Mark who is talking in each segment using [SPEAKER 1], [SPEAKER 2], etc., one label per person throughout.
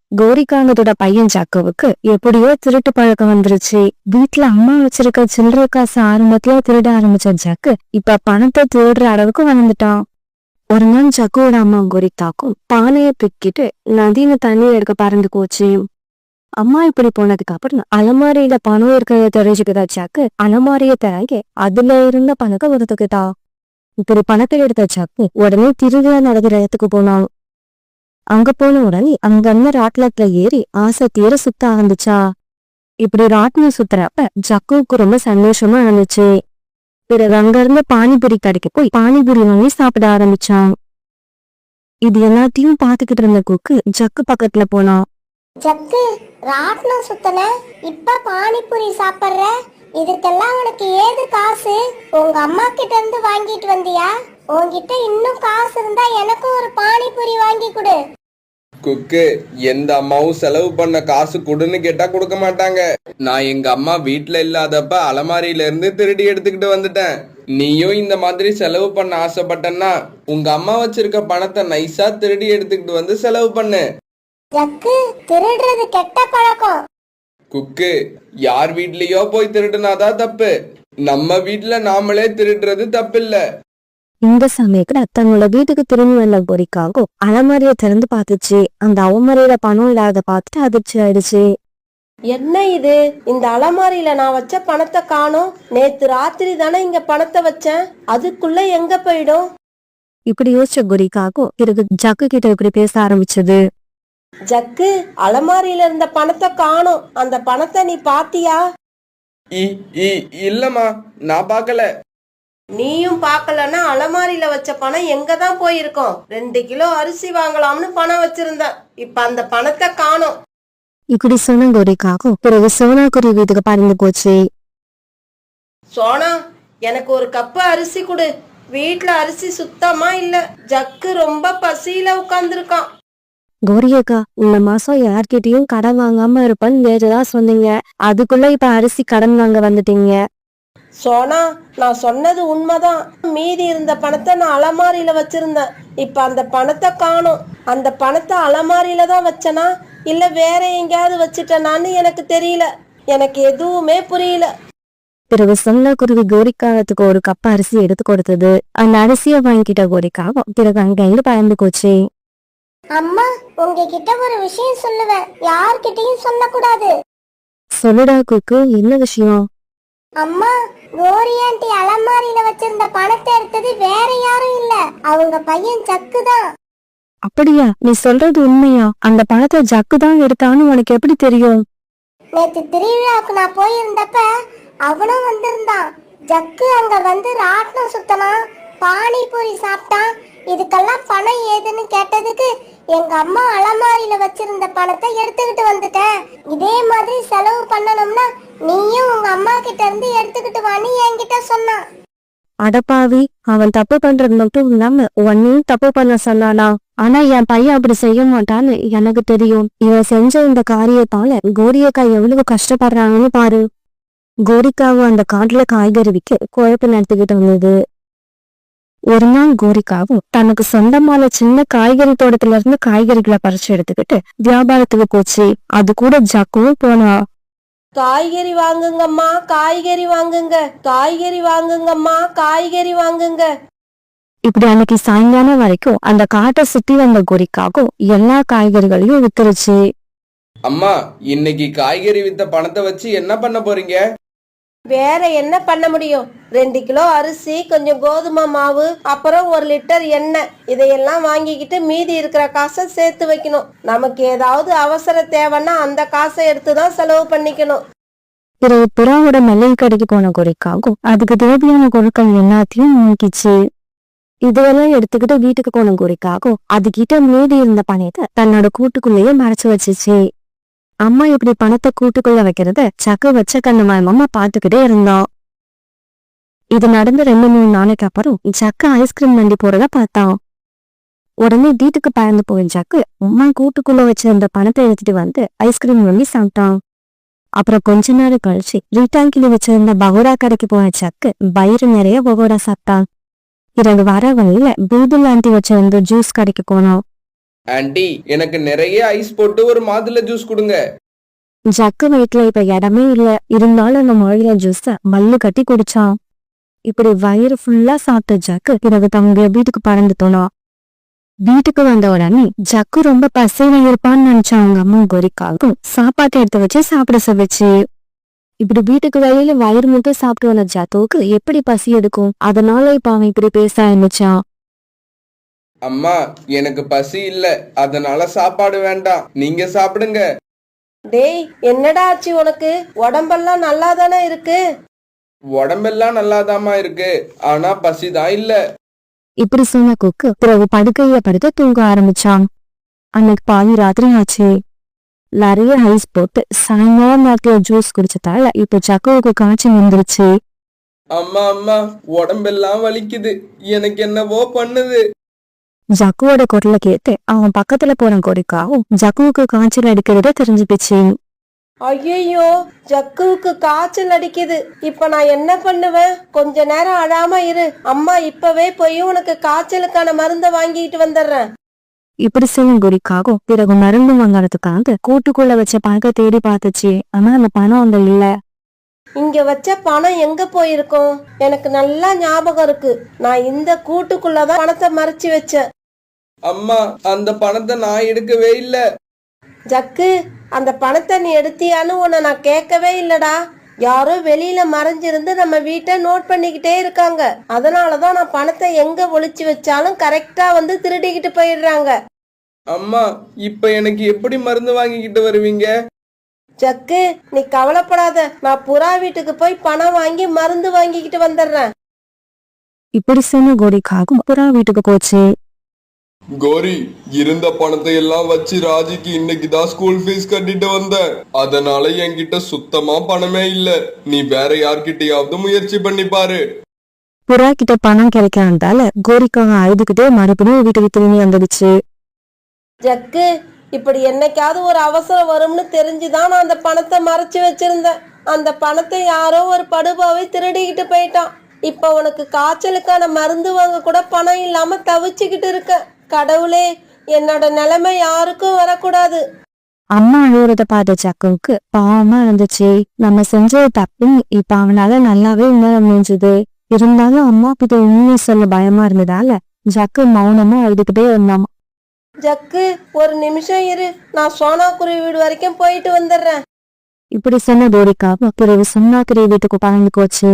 [SPEAKER 1] கோரிக்காங்கத்தோட பையன் ஜக்குவுக்கு எப்படியோ திருட்டு பழக்கம் வந்துருச்சு. வீட்டுல அம்மா வச்சிருக்க சில்லறை காசு ஆரம்பத்துல திருட ஆரம்பிச்ச ஜக்கு இப்ப பணத்தை திருடுற அளவுக்கு வளர்ந்துட்டான். ஒரு நாள் ஜக்குவோட அம்மா கோரிக்காக்கும் பானைய பிக்கிட்டு நதியில தண்ணி எடுக்க பறந்து போச்சு. அம்மா இப்படி போனதுக்கு அப்புறம் அலமாரியில பணம் இருக்கிறத தெரிஞ்சுக்கிட்டா ஜக்கு அலமாரிய திறங்கி அதுல இருந்த பணத்தை ஒதுக்கிட்டா. இப்படி பணத்தை எடுத்த ஜக்கு உடனே திருவிழா நடக்கிற இடத்துக்கு போனான். அங்க போன உடனே அங்க இருந்த ராட்லத்துல ஏறி ஆசை தீர சுத்த ஆரம்பிச்சா. இப்படி ராட்னம் சுத்துறப்ப ஜக்குவுக்கு ரொம்ப சந்தோஷமா இருந்துச்சு. பிறகு அங்க இருந்த பானிபுரி கடைக்கு போய் பானிபுரி வாங்கி சாப்பிட ஆரம்பிச்சான். இது எல்லாத்தையும் பாத்துக்கிட்டு இருந்த குக்கு ஜக்கு பக்கத்துல போனான்.
[SPEAKER 2] ஜக்கு, ராட்னம் சுத்தன, இப்ப பானிபூரி சாப்பிடுற, இதுக்கெல்லாம் உனக்கு ஏது காசு? உங்க அம்மா கிட்ட இருந்து வாங்கிட்டு வந்தியா? உன்கிட்ட இன்னும் காசு இருந்தா எனக்கும் ஒரு பானிபூரி வாங்கி கொடு.
[SPEAKER 3] குக்கு, எந்த அம்மாவும் செலவு பண்ண காசு கொடுன்னு கேட்டா கொடுக்க மாட்டாங்க. நான் எங்க அம்மா வீட்டுல இல்லாதப்ப அலமாரியில இருந்து திருடி எடுத்துக்கிட்டு வந்துட்டேன். நீயும் இந்த மாதிரி செலவு பண்ண ஆசைப்பட்டன்னா உங்க அம்மா வச்சிருக்க பணத்தை நைஸா திருடி எடுத்துக்கிட்டு வந்து செலவு பண்ணு.
[SPEAKER 2] ஜக்கு, திருடுறது கெட்ட பழக்கம்.
[SPEAKER 3] குக்கு, யார் வீட்லயோ போய் திருடுனாதான் தப்பு. நம்ம வீட்டுல நாமளே திருடுறது தப்பில்ல.
[SPEAKER 1] இந்த சமயத்துல தன்னோட வீட்டுக்கு திரும்பி வந்த கோரிக்காகும் அலமாரிய திறந்து பாத்துச்சு. அந்த அவமரியில பணம் இல்லாத பார்த்துட்டு அதிர்ச்சி ஆயிடுச்சு.
[SPEAKER 4] என்ன இது? இந்த அலமாரியில நான் வச்ச பணத்தை காணோம். நேத்து ராத்திரி தானே இங்க பணத்தை வச்சேன், அதுக்குள்ள எங்க போயிடும்?
[SPEAKER 1] இப்படி யோசிச்ச கோரிக்காகும் பிறகு ஜக்கு கிட்ட இப்படி பேச ஆரம்பிச்சது.
[SPEAKER 4] ஜக்கு, அலமாரியில இருந்த பணத்தை காணோம். அந்த பணத்தை நீ பாத்தியா?
[SPEAKER 3] இல்லம்மா, நான் பாக்கல.
[SPEAKER 4] நீயும் பாக்கலன்னா அலமாரியில வச்ச பணம் எங்கதான் போயிருக்கோம்? 2 கிலோ அரிசி வாங்கலாம்னு பணம் வச்சிருந்த, இப்ப அந்த பணத்தை காணோம்.
[SPEAKER 1] இப்படி சொன்ன கோரிக்காகும் பிறகு சோனா குருவி வீட்டுக்கு பறந்து போச்சு.
[SPEAKER 4] சோனா, எனக்கு ஒரு கப்பு அரிசி கொடு. வீட்டுல அரிசி சுத்தமா இல்ல. ஜக்கு ரொம்ப பசியில உட்கார்ந்துருக்கான்.
[SPEAKER 1] கோரியக்கா, இந்த மாசம் யார்கிட்டயும் கடன் வாங்காம இருப்பேன்னு நேற்றுதான் சொன்னீங்க. அதுக்குள்ள இப்ப அரிசி கடன் வாங்க வந்துட்டீங்க.
[SPEAKER 4] சோனா, நான் சொன்னது உண்மைதான். மீதி இருந்த பணத்தை நான் அலமாரியில வச்சிருந்தேன். இப்ப அந்த பணத்தை காணோம். அந்த பணத்தை அலமாரியில தான் வச்சனா இல்ல வேற எங்கேயாவது வச்சுட்டனான்னு எனக்கு தெரியல. எனக்கு எதுவுமே புரியல.
[SPEAKER 1] பிறகு சொன்ன குருவி கோரிக்காகத்துக்கு ஒரு கப் அரிசி எடுத்து கொடுத்தது. அந்த அரிசியை வாங்கிட்ட கோரிக்காகும் பிறகு அங்க பறந்து போச்சு.
[SPEAKER 2] அம்மா, உங்ககிட்ட ஒரு விஷயம் சொல்லுவேன், யார்கிட்டயும் சொல்லக்கூடாது.
[SPEAKER 1] சொல்லுடா குக்கு, என்ன விஷயம்?
[SPEAKER 2] அம்மா, கோரி ஆண்டி அலமாரியில வச்சிருந்த பணத்தை எடுத்தது வேற யாரும் இல்ல, அவங்க பையன் ஜக்கு தான்.
[SPEAKER 1] அப்படியா? நீ சொல்றது உண்மையா? அந்த பணத்தை ஜக்கு தான் எடுத்தான்னு உனக்கு எப்படி தெரியும்?
[SPEAKER 2] நேத்து திருவிழாவுக்கு நான் போயிருந்தப்ப அவனும் வந்திருந்தான். ஜக்கு அங்க வந்து ராட்னம் சுத்தனான், பானிபூரி சாப்பிட்டான். இதுக்கெல்லாம் பணம் ஏதுன்னு கேட்டதுக்கு எங்க அம்மா அலமாரியில வச்சிருந்த பணத்தை எடுத்துக்கிட்டு வந்துட்டேன். இதே மாதிரி செலவு பண்ணணும்னா நீயும் உங்க அம்மா கிட்ட இருந்து எடுத்துக்கிட்டு வான்னு என்கிட்ட சொன்னான்.
[SPEAKER 1] அடப்பாவி, அவன் தப்பு பண்றது மட்டும் இல்லாம உன்னையும் தப்பு பண்ண சொன்னானா? ஆனா என் பையன் அப்படி செய்ய மாட்டான்னு எனக்கு தெரியும். இவன் செஞ்ச இந்த காரியத்தால கோரியக்கா எவ்வளவு கஷ்டப்படுறாங்கன்னு பாரு. கோரிக்காவும் அந்த காட்டுல காய்கறி விற்க குழப்பம் நடத்திக்கிட்டு வந்தது. ஒரு நாள் கோரிக்காவும் தனக்கு சொந்தமான சின்ன காய்கறி தோட்டத்துல இருந்து காய்கறிகளை பறிச்சு எடுத்துக்கிட்டு வியாபாரத்துக்கு போச்சு. அது கூட ஜக்குவும் போனா.
[SPEAKER 4] காய்கறி வாங்குங்கம்மா, காய்கறி வாங்குங்க, காய்கறி வாங்குங்கம்மா, காய்கறி வாங்குங்க.
[SPEAKER 1] இப்படி அன்னைக்கு சாயங்காலம் வரைக்கும் அந்த காட்டை சுத்தி வந்த கோரிக்காகும் எல்லா காய்கறிகளையும் வித்துருச்சு.
[SPEAKER 3] அம்மா, இன்னைக்கு காய்கறி வித்த பணத்தை வச்சு என்ன பண்ண போறீங்க?
[SPEAKER 4] வேற என்ன பண்ண முடியும்? 2 கிலோ அரிசி, கொஞ்சம் கோதுமை மாவு, அப்புறம் 1 லிட்டர் எண்ணெய், இதையெல்லாம் வாங்கிக்கிட்டு மீதி இருக்கிற காசை சேர்த்து வைக்கணும். நமக்கு ஏதாவது அவசர தேவைன்னா அந்த காசை எடுத்துதான் செலவு பண்ணிக்கணும்.
[SPEAKER 1] பிறகு புறாவோட மல்லிகை கடைக்கு போன கோரிக்காகும் அதுக்கு தேவையான பொருட்கள் எல்லாத்தையும் வாங்கிச்சு. இதுவெல்லாம் எடுத்துக்கிட்டு வீட்டுக்கு போன கோரிக்காகும் அதுகிட்ட மீதி இருந்த பணத்தை தன்னோட கூட்டுக்குள்ளேயே மறைச்சு வச்சிச்சு. அம்மா இப்படி பணத்தை கூட்டுக்குள்ள வைக்கிறத சக்கு வச்ச கண்ணமாயமா பாத்துக்கிட்டே இருந்தான். இது நடந்து 2-3 நாளைக்கு அப்புறம் ஜக்கு ஐஸ்கிரீம் வண்டி போறத பார்த்தான். உடனே வீட்டுக்கு பறந்து போய் ஜக்கு அம்மா கூட்டுக்குள்ள வச்சிருந்த பணத்தை எடுத்துட்டு வந்து ஐஸ்கிரீம் வண்டி சாப்பிட்டான். அப்புறம் கொஞ்ச நேரம் கழிச்சு ரீட்டாங்கில வச்சிருந்த பகோடா கடைக்கு போன ஜக்கு வயிறு நிறைய பகோடா சாப்பிட்டான். 2 வர வழியில பூதுல் ஆண்டி வச்சிருந்த ஜூஸ் கடைக்கு போனான்.
[SPEAKER 3] ஆண்டி எனக்கு நிறைய ஐஸ் போட்டு ஒரு மாதுளை ஜூஸ் கொடுங்க.
[SPEAKER 1] ஜக்கு வீட்டுல இப்ப இடமே இல்ல, இருந்தாலும் அந்த மாதுளை ஜூஸ மல்லு கட்டி குடிச்சான். இப்படி வயிறு ஃபுல்லா சாப்பிட்ட ஜக்கு பிறகு தன்னுடைய வீட்டுக்கு பறந்து போனான். வீட்டுக்கு வந்த உடனே ஜக்கு ரொம்ப பசியில இருப்பான்னு நினைச்ச அவங்க அம்மா கோரிக்காவுக்கும் சாப்பாட்டை எடுத்து வச்சு சாப்பிட சொல்லிச்சு. இப்படி வீட்டுக்கு வெளியில வயிறு முட்டை சாப்பிட்டு வந்த ஜக்குவுக்கு எப்படி பசி எடுக்கும், அதனால இப்ப அவன் இப்படி பேச ஆரம்பிச்சான்.
[SPEAKER 3] அம்மா எனக்கு பசி இல்ல, அதனால சாப்பாடு வேண்டாம், நீங்க சாப்பிடுங்க.
[SPEAKER 4] டேய் என்னடா ஆச்சு உனக்கு? உடம்பெல்லாம் நல்லா தானே இருக்கு?
[SPEAKER 3] உடம்பெல்லாம் நல்லாதாம்மா இருக்கு, ஆனா பசிதான் இல்ல.
[SPEAKER 1] இப்படி சொன்ன குக்கு பிறகு படுக்கையில படுத்து தூங்க ஆரம்பிச்சான். அன்னைக்கு பாதி ராத்திரி ஆச்சு. நிறைய ஐஸ் போட்டு சாயங்காலம் நேரத்துல ஜூஸ் குடிச்சதால இப்ப ஜக்குவுக்கு காய்ச்சல் வந்துருச்சு.
[SPEAKER 3] அம்மா அம்மா உடம்பெல்லாம் வலிக்குது, எனக்கு என்னவோ பண்ணுது.
[SPEAKER 1] ஜக்குவோட குரலை கேட்டு அவன் பக்கத்துல போன கோரிக்காவும் ஜக்குவுக்கு காய்ச்சல் அடிக்கிறத தெரிஞ்சுக்கிச்சு.
[SPEAKER 4] ஐயோ, ஜக்குவுக்கு காய்ச்சல் அடிக்குது. இப்ப நான் என்ன பண்ணுவேன்? கொஞ்ச நேரம் அழாம இரு, அம்மா இப்பவே போய் உனக்கு காய்ச்சலுக்கான மருந்தை வாங்கிட்டு வந்துடுறேன்.
[SPEAKER 1] இப்படி செய்யும் கோரிக்காவும் பிறகு மருந்து வாங்கறதுக்காக கூட்டுக்குள்ள வச்ச பணத்தை தேடி பார்த்துச்சு. ஆனா அந்த பணம் அங்க இல்ல.
[SPEAKER 4] இங்க வச்ச பணம் எங்க போயிருக்கும்? எனக்கு நல்லா ஞாபகம் இருக்கு, நான் இந்த கூட்டுக்குள்ளதான் பணத்தை மறைச்சு வச்சேன்.
[SPEAKER 3] அம்மா அந்த பணத்தை நான் எடுக்கவே இல்ல.
[SPEAKER 4] ஜக்கு, அந்த பணத்தை நீ எடுத்தியான்னு உன்னை நான் கேட்கவே இல்லடா. யாரோ வெளியில மறைஞ்சிருந்து நம்ம வீட்டை நோட் பண்ணிக்கிட்டே இருக்காங்க. அதனாலதான் நான் பணத்தை எங்க ஒளிச்சு வச்சாலும் கரெக்டா வந்து திருடிக்கிட்டு போயிடுறாங்க.
[SPEAKER 3] அம்மா இப்ப எனக்கு எப்படி மருந்து வாங்கிக்கிட்டு வருவீங்க?
[SPEAKER 4] ஜக்கு நீ கவலைப்படாத, நான் புறா வீட்டுக்கு போய் பணம் வாங்கி மருந்து வாங்கிக்கிட்டு வந்துடுறேன்.
[SPEAKER 1] இப்படி சொன்ன கோரிக்காவும் புறா வீட்டுக்கு போச்சு.
[SPEAKER 3] கோரி, இருந்த பணத்தை எல்லாம் வச்சு ராஜிக்கு இன்னைக்கு தான் ஸ்கூல் ஃபீஸ் கட்டிட்டு வந்தேன். அதனால என்கிட்ட சுத்தமா பணமே இல்ல. நீ வேற யார்கிட்டயாவது முயற்சி பண்ணி பாரு.
[SPEAKER 1] புறா கிட்ட பணம் கிடைக்காததால கோரிக்காவை அழுதுகிட்டே மறுபடியும் வீட்டுக்கு திரும்பி வந்துடுச்சு.
[SPEAKER 4] ஜக்கு, இப்படி என்னைக்காவது ஒரு அவசரம் வரும்னு தெரிஞ்சுதான் நான் அந்த பணத்தை மறைச்சு வச்சிருந்தேன். அந்த பணத்தை யாரோ ஒரு படுபாவை திருடிக்கிட்டு போயிட்டான். இப்ப உனக்கு காய்ச்சலுக்கான மருந்து வாங்க கூட பணம் இல்லாம தவிச்சுக்கிட்டு இருக்க. கடவுளே, என்னோட நிலைமை யாருக்கும் வரக்கூடாது.
[SPEAKER 1] அம்மா அழுவுறத பார்த்த ஜக்குவுக்கு பாவமா இருந்துச்சு. நம்ம செஞ்சது தப்பு இப்ப அவனால நல்லாவே உணர முடிஞ்சது. இருந்தாலும் அம்மா கிட்ட உண்மையை சொல்ல பயமா இருந்ததால ஜக்கு மௌனமா அழுதுகிட்டே இருந்தான்.
[SPEAKER 4] ஜக்கு, ஒரு நிமிஷம் இரு, நான் சோனாக்குருவி வீடு வரைக்கும் போயிட்டு வந்துடுறேன்.
[SPEAKER 1] இப்படி சொன்ன கோரிக்காவும் பிறகு சோனாக்குருவி வீட்டுக்கு பறந்து போச்சு.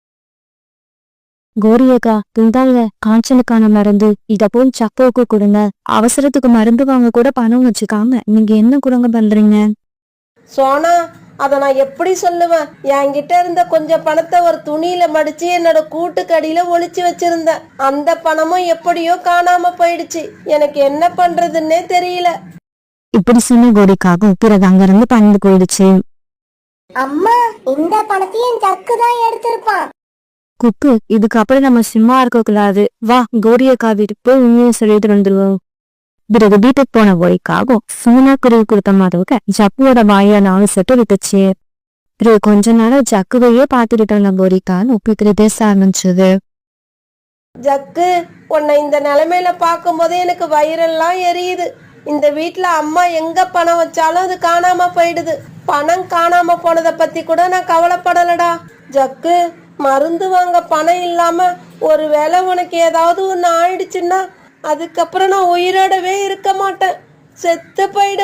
[SPEAKER 1] கோரியக்கா, இந்தாங்க காய்ச்சலுக்கான மருந்து, இத போய் சக்குவுக்கு கொடுங்க. அவசரத்துக்கு மருந்து வாங்க கூட பணம் வச்சுக்காம நீங்க என்ன குரங்க பண்றீங்க?
[SPEAKER 4] சோனா, அத நான் எப்படி சொல்லுவேன்? என்கிட்ட இருந்த கொஞ்சம் பணத்தை ஒரு துணியில மடிச்சு என்னோட கூட்டுக்கடியில ஒளிச்சு வச்சிருந்தேன். அந்த பணமும் எப்படியோ காணாம போயிடுச்சு. எனக்கு என்ன பண்றதுன்னே தெரியல.
[SPEAKER 1] இப்படி சொன்ன கோரிக்காவும் பிறகு அங்கிருந்து பறந்து போயிடுச்சு.
[SPEAKER 2] அம்மா இந்த பணத்தையும் ஜக்கு தான் எடுத்திருப்பான்.
[SPEAKER 1] குக்கு, இதுக்கப்புறம் நம்ம சும்மா இருக்க கூடாது. வா கோரியக்கா வீட்டுக்கு போய் உண்மையை சொல்லிட்டு வந்துருவோம். பிறகு வீட்டுக்கு போன கோரிக்காவும் சோனாக்குருவி கொடுத்த மாதிரி ஜக்குவோட வாயை 4 செட்டு விட்டுச்சு. பிறகு கொஞ்ச நேரம் ஜக்குவையே பார்த்துட்டு இருந்த கோரிக்கான்னு ஒப்பிக்கிட்டு பேச ஆரம்பிச்சது.
[SPEAKER 4] ஜக்கு, உன்னை இந்த நிலைமையில பார்க்கும் போதே எனக்கு வயிறெல்லாம் எரியுது. இந்த வீட்டுல அம்மா எங்க பணம் வச்சாலும் அது காணாம போயிடுது. பணம் காணாம போனதை பத்தி கூட நான் கவலைப்படலடா. ஜக்கு, மருந்து வாங்க பணம் இல்லாம ஒருவேளை உனக்கு ஏதாவது ஒண்ணு ஆயிடுச்சுன்னா அதுக்கப்புறம் நான் உயிரோடவே இருக்க மாட்டேன். செத்து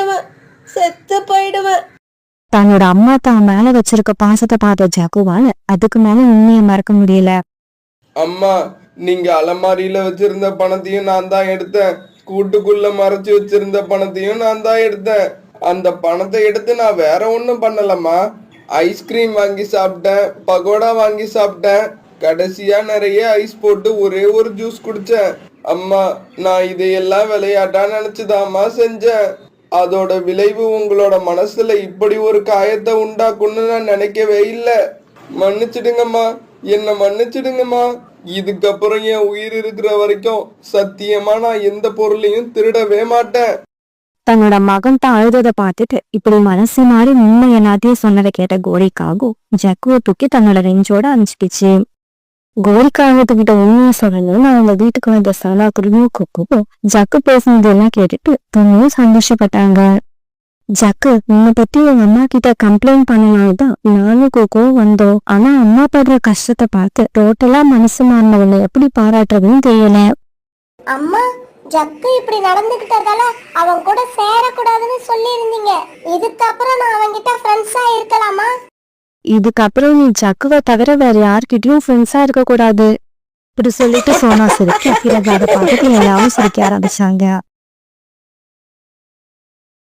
[SPEAKER 4] போயிடுவேன்.
[SPEAKER 1] தன்னோட அம்மா தான் மேல வச்சிருக்க பாசத்தை பார்த்த ஜக்குவால அதுக்கு மேல உண்மையை மறக்க முடியல.
[SPEAKER 3] அம்மா, நீங்க அலமாரியில வச்சிருந்த பணத்தையும் நான் தான் எடுத்தேன். கூட்டுக்குள்ள மறைச்சு வச்சிருந்த பணத்தையும் நான் தான் எடுத்தேன். அந்த பணத்தை எடுத்து நான் வேற ஒண்ணும் பண்ணலம்மா. ஐஸ்கிரீம் வாங்கி சாப்பிட்டேன், பகோடா வாங்கி சாப்பிட்டேன், கடைசியா நிறைய ஐஸ் போட்டு ஒரே ஒரு ஜூஸ் குடிச்சேன். அம்மா, நான் இதையெல்லாம் விளையாட்டா நினைச்சுதாம்மா செஞ்சேன். அதோட விளைவு உங்களோட மனசுல இப்படி ஒரு காயத்தை உண்டாக்குன்னு நான் நினைக்கவே இல்லை. மன்னிச்சிடுங்கம்மா, என்ன மன்னிச்சிடுங்கம்மா. இதுக்கப்புறம் என் உயிர் இருக்கிற வரைக்கும் சத்தியமா நான் எந்த பொருளையும் திருடவே மாட்டேன்.
[SPEAKER 1] தன்னோட மகன் தான் அழுததை பார்த்துட்டு இப்படி மனசு மாறி உண்மை எல்லாத்தையும் சொன்னதை கேட்ட கோரிக்காகும் ஜக்குவை தூக்கி தன்னோட ரெஞ்சோட அனுப்பிச்சிச்சு. கோரிக்காகத்துக்கிட்ட உண்மையை சொல்லணும்னு அவங்க வீட்டுக்கு வந்த சனாக்குருவும் கொக்கும் ஜக்கு பேசுனது எல்லாம் கேட்டுட்டு ரொம்பவும் சந்தோஷப்பட்டாங்க. ஜக்கு, உன்னை பத்தி உங்க அம்மா கிட்ட கம்ப்ளைண்ட் பண்ணனால்தான் நானும் கோக்கும் வந்தோம். ஆனா அம்மா படுற கஷ்டத்தை பார்த்து டோட்டலா மனசு மாறினவனை எப்படி பாராட்டுறதுன்னு தெரியல.
[SPEAKER 2] அம்மா, ஜக்கு இப்படி நடந்துகிட்டதால அவன் கூட சேரக்கூடாதுன்னு சொல்லி இருந்தீங்க. இதுக்கப்புறம் நான் அவன்கிட்ட ஃப்ரெண்ட்ஸா இருக்கலாமா?
[SPEAKER 1] இதுக்கப்புறம் நீ ஜக்குவை தவிர வேற யார்கிட்டயும் ஃப்ரெண்ட்ஸா இருக்க கூடாது இப்படி சொல்லிட்டு சோனா சிரிக்க பிறகு அதை பார்த்துட்டு எல்லாரும் சிரிக்க ஆரம்பிச்சாங்க.